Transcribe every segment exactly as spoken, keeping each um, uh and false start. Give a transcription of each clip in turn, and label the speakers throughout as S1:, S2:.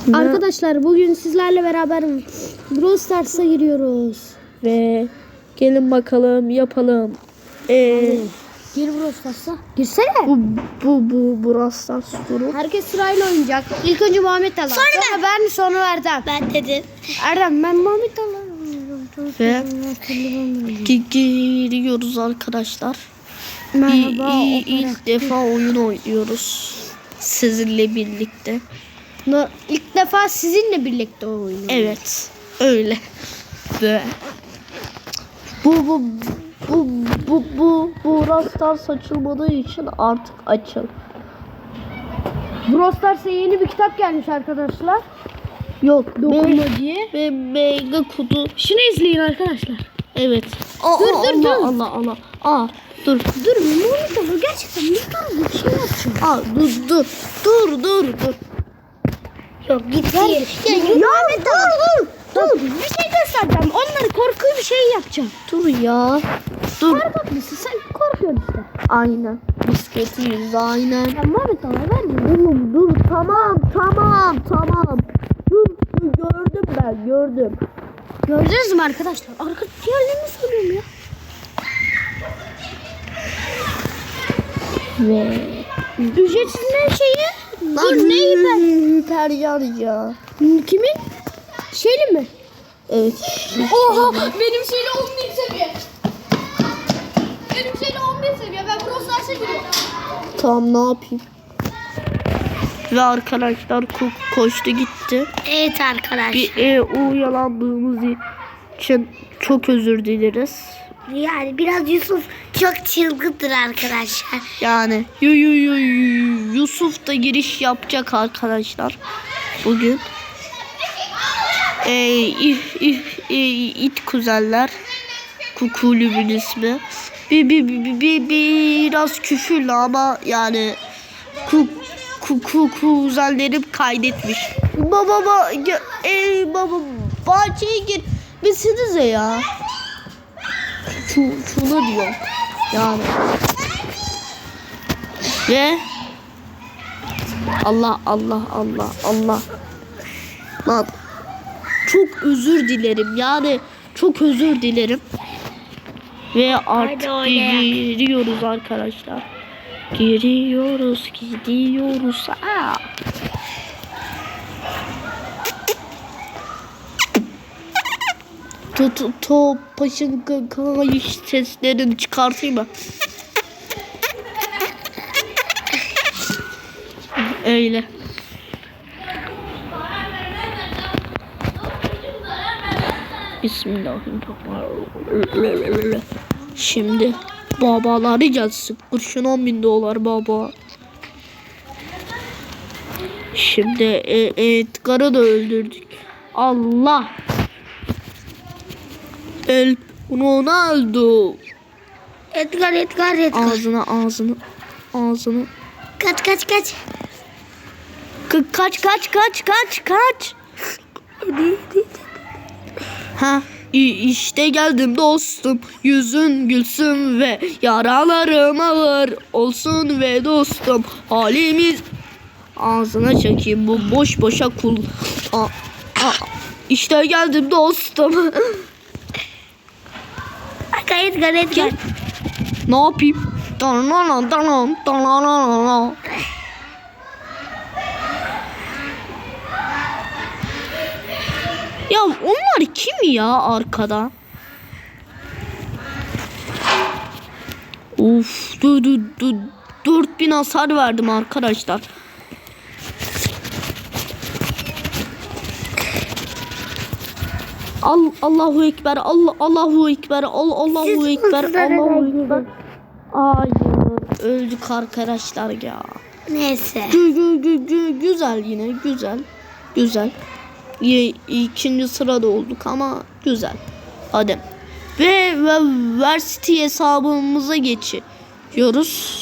S1: Ne?
S2: Arkadaşlar bugün sizlerle beraber Brawl Stars'a giriyoruz.
S1: Ve gelin bakalım yapalım. Ee,
S2: Gir Brawl Stars'a. Girsene.
S1: bu bu bu Brawl Stars turu.
S2: Herkes sırayla oynayacak. İlk önce Muhammed Alan. Sonra, sonra ben, sonra Erdem.
S3: Ben dedim.
S2: Erdem, ben Muhammed Alan.
S1: Ve gi- giriyoruz arkadaşlar.
S2: Merhaba.
S1: İ- i- ilk defa oyun oynuyoruz. Sizinle birlikte.
S2: No, ilk defa sizinle birlikte oynuyoruz.
S1: Evet. Öyle. Ve bu bu bu bu bu bu Brawl Stars açılmadığı için artık açıl.
S2: Brawl Stars'a yeni bir kitap gelmiş arkadaşlar.
S1: Yok.
S2: Dokunma
S1: Ve,
S2: diye.
S1: ve mega kutu.
S2: Şunu izleyin arkadaşlar.
S1: Evet. Aa,
S2: Dur,
S1: aa,
S2: dur,
S1: Allah,
S2: dur.
S1: Allah Allah. Aa, dur.
S2: Dur Muhammed Alan gerçekten bir dur bir şey yapacağım.
S1: Aa, dur dur. Dur dur dur.
S3: Yok git
S2: Ya,
S3: ya.
S2: ya, Muhammed Alan dur. Dur. Bir şey göstereceğim. Onları korku bir şey yapacağım.
S1: Dur ya. Dur.
S2: Korkak mısın? Sen korkuyorsun işte.
S1: Aynen. Bisikletimiz aynen.
S2: Ya Muhammed Alan verme.
S1: Oğlum dur. Tamam tamam tamam. Dur, dur gördüm ben gördüm.
S2: Gördünüz mü arkadaşlar? Arka diğerlerini söylüyorum ya.
S1: Ve
S2: Ücretsiz ne şeyi? Dur neyi ben?
S1: Hiper ya.
S2: Kimin? Şeyli mi?
S1: Evet.
S2: Oha benim şeyle on bin seviye. Benim şeyle on bin seviye. Ben Brawl Stars'a giriyorum.
S1: Tamam ne yapayım? Ve arkadaşlar ko- koştu gitti.
S3: Evet arkadaşlar.
S1: Bir e, uyalandığımız için çok özür dileriz.
S3: Yani biraz Yusuf çok çılgındır arkadaşlar.
S1: Yani yu, yu, yu, yu- Yusuf da giriş yapacak arkadaşlar bugün. E, if, if, e, it kuzenler kulübün ismi. Bir, bir, bir, bir, bir, biraz küfürlü ama yani ku, ku, ku, kuzenlerim kaydetmiş. Baba baba e, baba bahçeye gir misinize ya. Şu, şunu diyor yani. Ve Allah Allah Allah Allah. Lan çok özür dilerim yani çok özür dilerim. Ve artık giriyoruz arkadaşlar. Giriyoruz gidiyoruz. Aa. To to to paşın kayış seslerini çıkartayım mı? Öyle. Bismillahirrahmanirrahim. Şimdi babaları gelsin. Kurşun on bin dolar baba. Şimdi e, Edgar'ı da öldürdük. Allah. El Ronaldo.
S3: Edgar Edgar Edgar.
S1: Ağzına ağzını ağzını.
S3: Kaç kaç kaç.
S1: Ka- kaç kaç kaç kaç kaç. Ha işte geldim dostum. Yüzün gülsün ve yaralarım ağır olsun ve dostum. Halimiz ağzına çekeyim bu boş boşa kul. Aa, aa, işte geldim dostum.
S3: Edgar Edgar Edgar.
S1: Ne yapayım? Danana danana danana. Ya onlar kim ya arkada? Uf, dur dur dur. dört bin hasar verdim arkadaşlar. Al Allahu ekber. Allah Allahu ekber. Al Allahu
S3: Siz
S1: ekber.
S3: uzunlara
S1: Allahu
S3: da
S1: ekber. Hayır, öldük arkadaşlar ya.
S3: Neyse.
S1: Gü, gü, gü, gü, güzel yine güzel. Güzel. Ye, ikinci sırada olduk ama güzel. Hadi. Ve, ve Varsity hesabımıza geçiyoruz.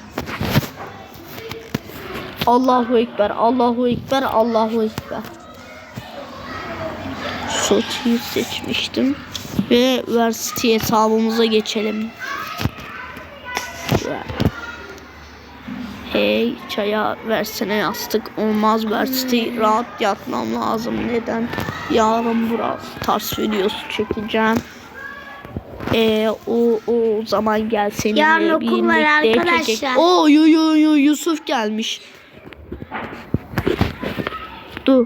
S1: Allahu ekber. Allahu ekber. Allahu ekber. Soti'yi seçmiştim. Ve Varsity hesabımıza geçelim. He Hey çaya versene yastık. Olmaz Berçti. Rahat yatmam lazım. Neden? Yarın biraz ters videosu çekeceğim. Ee, o, o zaman gel seninle
S3: Yarın okul var
S1: birlikte
S3: arkadaşlar.
S1: çekecek. Oo yu, yu, yu, Yusuf gelmiş. Dur.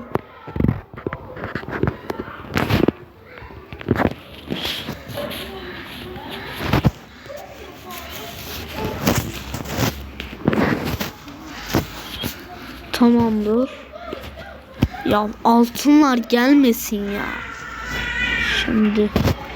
S1: Tamamdır. Ya altınlar gelmesin ya. Şimdi.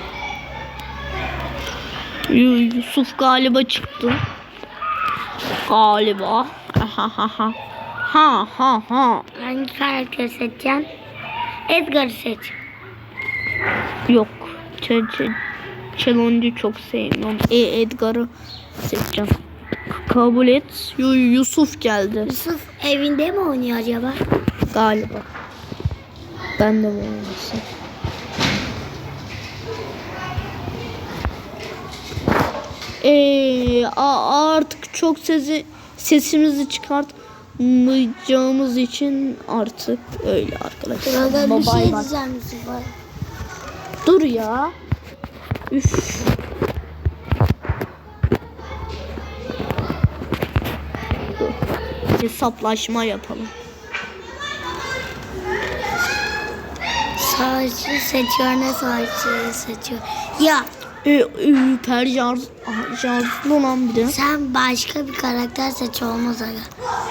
S1: Yu- Yusuf galiba çıktı. Galiba. Ha ha ha. Ha ha ha.
S3: Hangi karakteri seçeceğim? Edgar'ı seç.
S1: Yok. Ç ç Challenge'ı çok sevmiyorum. E Edgar'ı seçeceğim. Kabul et. Yu Yusuf geldi.
S3: Yusuf evinde mi oynuyor acaba?
S1: Galiba. Ben de mi olmasın? Ee, a- artık çok sesi sesimizi çıkartmayacağımız için artık öyle arkadaşlar.
S3: Burada bir
S1: Bye
S3: şey
S1: bye.
S3: diyeceğim Yusuf'a.
S1: Dur ya. Üf. Dur. Hesaplaşma yapalım.
S3: Savaşçı seçiyor, ne savaşçıyı seçiyor? Ya
S1: Ee, e, per şarj, şarjlı olan bir de.
S3: sen başka bir karakter seç, olmaz aga.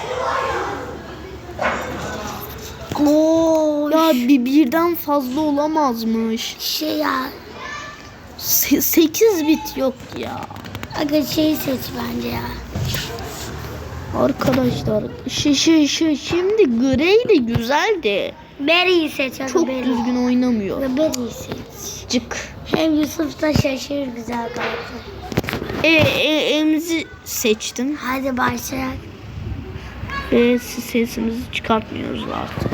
S3: Oo,
S1: Ya bir birden fazla olamazmış.
S3: şey ya.
S1: Se- sekiz bit yok ya.
S3: Aga şey seç bence ya.
S1: Arkadaşlar şey şey şey şimdi Grey de güzeldi.
S3: Barry'i seç aga,
S1: Çok
S3: Barry.
S1: düzgün oynamıyor.
S3: Aga Barry'i seç.
S1: Cık.
S3: Hem Yusuf da şaşırır güzel karakter.
S1: E, e Emzi seçtim.
S3: Hadi başlayalım.
S1: Ve sesimizi çıkartmıyoruz artık.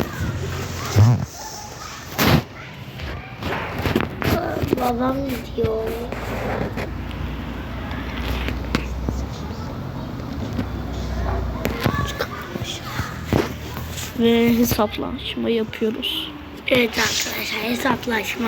S3: Babam diyor.
S1: Ve hesaplaşma yapıyoruz.
S3: Evet arkadaşlar, hesaplaşma.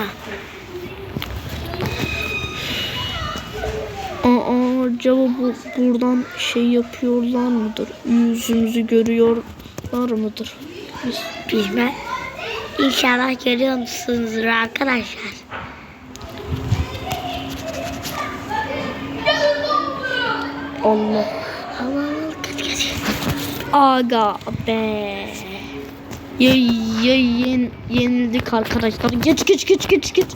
S1: Aa, acaba bu buradan şey yapıyorlar mıdır? Yüzümüzü görüyorlar mıdır? Biz
S3: Bilmem. İnşallah görüyor musunuzdur arkadaşlar.
S1: Allah.
S3: Aman kaç kaç.
S1: Aga be. Ya, ya yen, yenildik arkadaşlar. Geç geç geç geç geç.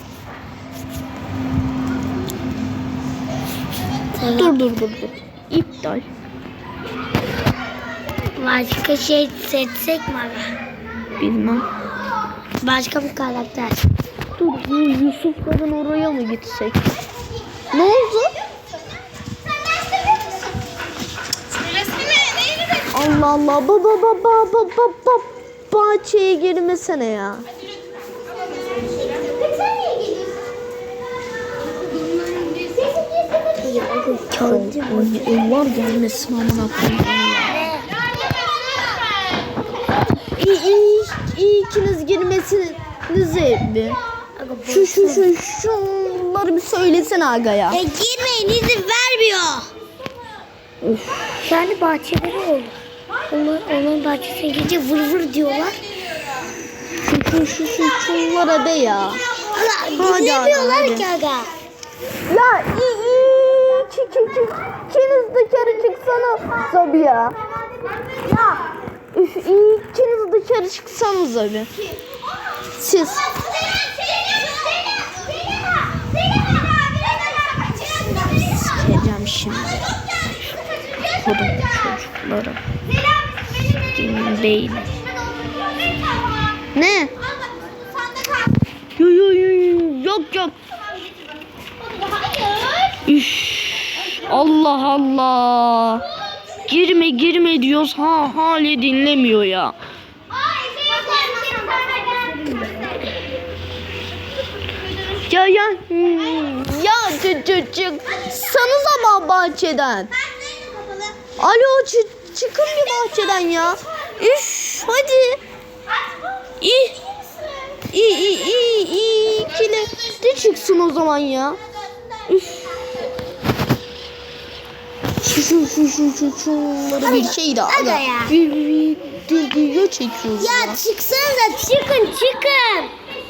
S3: Tamam.
S1: Dur dur dur dur. İptal.
S3: Başka şey seçsek mi abi?
S1: Bilmem.
S3: Başka bir karakter.
S1: Dur bu Yusuf'ların oraya mı gitsek? Ne oldu? Allah Allah baba baba baba baba bahçeye girmesene ya.
S3: Ya oğlum kördü mü?
S1: Onlar gelmesin amına koyayım ya. İyi, iyi, iyi ikiniz girmesinize bir. Şu şu şu şunları bir söylesene aga ya.
S3: E girmeyin, izin vermiyor. Yani bahçeleri olur. Onlar, onun bahçesine gece vır vır diyorlar.
S1: Şu şu şu şu şunlara de ya.
S3: Allah
S1: Hadi
S3: dinlemiyorlar
S1: hadi,
S3: ki aga.
S1: Ya iyi iyi. Çık çık çık. İkiniz dışarı çıksana Zabi ya. Ya. Üf iyi ikiniz dışarı çıksanız abi. Siz. Sikeceğim şimdi. Kodum çocukları. Senin beyni. Ne? Yo yo yo yo. Yok yok. Üş. Allah Allah. Girme girme diyoruz ha hali dinlemiyor ya. Ya ya ya çık çık çık sanız ama bahçeden. Alo çık çıkın bir bahçeden ya. Üf hadi. İyi. İyi iyi iyi iyi. İkili de çıksın o zaman ya. Üf. Şu şu şu şu şu şunları bir şey de
S3: Aga
S1: aga.
S3: ya.
S1: Bir bir bir video çekiyoruz ya.
S3: Ya çıksanıza çıkın çıkın.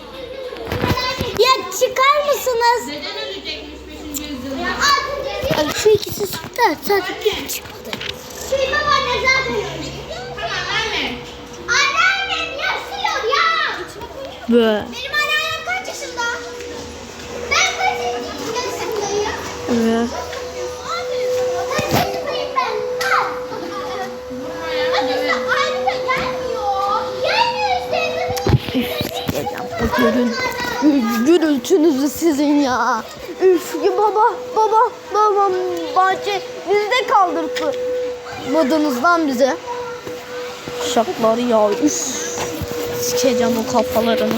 S3: Ya çıkar mısınız?
S2: Neden ölecekmiş beşinci yüzyılda?
S3: Abi şu ikisi çıktı. Sadece bir çıkmadı. Şey babaanne zaten öyle.
S2: Tamam verme.
S3: Anneannem yaşıyor ya.
S1: Böyle.
S3: Benim anneannem kaç yaşında? Ben kaç yaşındayım?
S1: Evet.
S3: Kaç yaşındayım ben? Kaç? Anne ayrıca gelmiyor. Gelmiyor işte.
S1: Bu görün, gürültünüzü sizin ya. Üf ya baba baba babam bahçe bizde kaldırdı. Madınızdan bize. Şakları ya üf. Sikeceğim o kafalarını.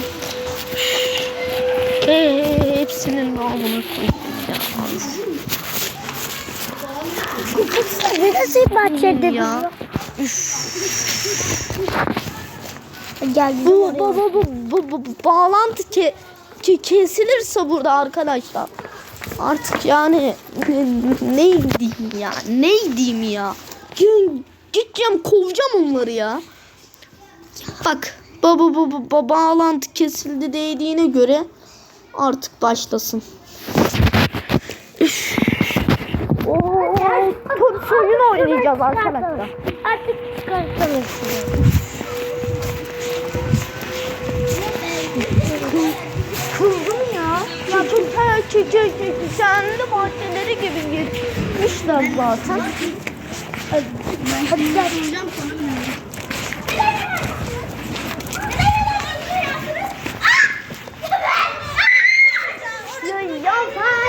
S1: Eee hepsinin namını koydum ya.
S3: Siz nasıl bahçede
S1: Ya. Üf.
S3: Gel
S1: Bu, bu, bu, bu, bu, bu, bu bağlantı ke, ke, kesilirse burada arkadaşlar. Artık yani ne, ne diyeyim ya? Ne diyeyim ya? Gideceğim, gideceğim kovacağım onları ya. Bak baba bu, bu, bu bağlantı kesildi dediğine göre artık başlasın. Üf. Oo, top oyun oynayacağız arkadaşlar.
S3: Artık çıkartalım.
S1: Kızdım ya. Ya çok kendi bahçeleri gibi gitmişler zaten.
S3: Hadi, hadi gel.
S1: Ya, ya sen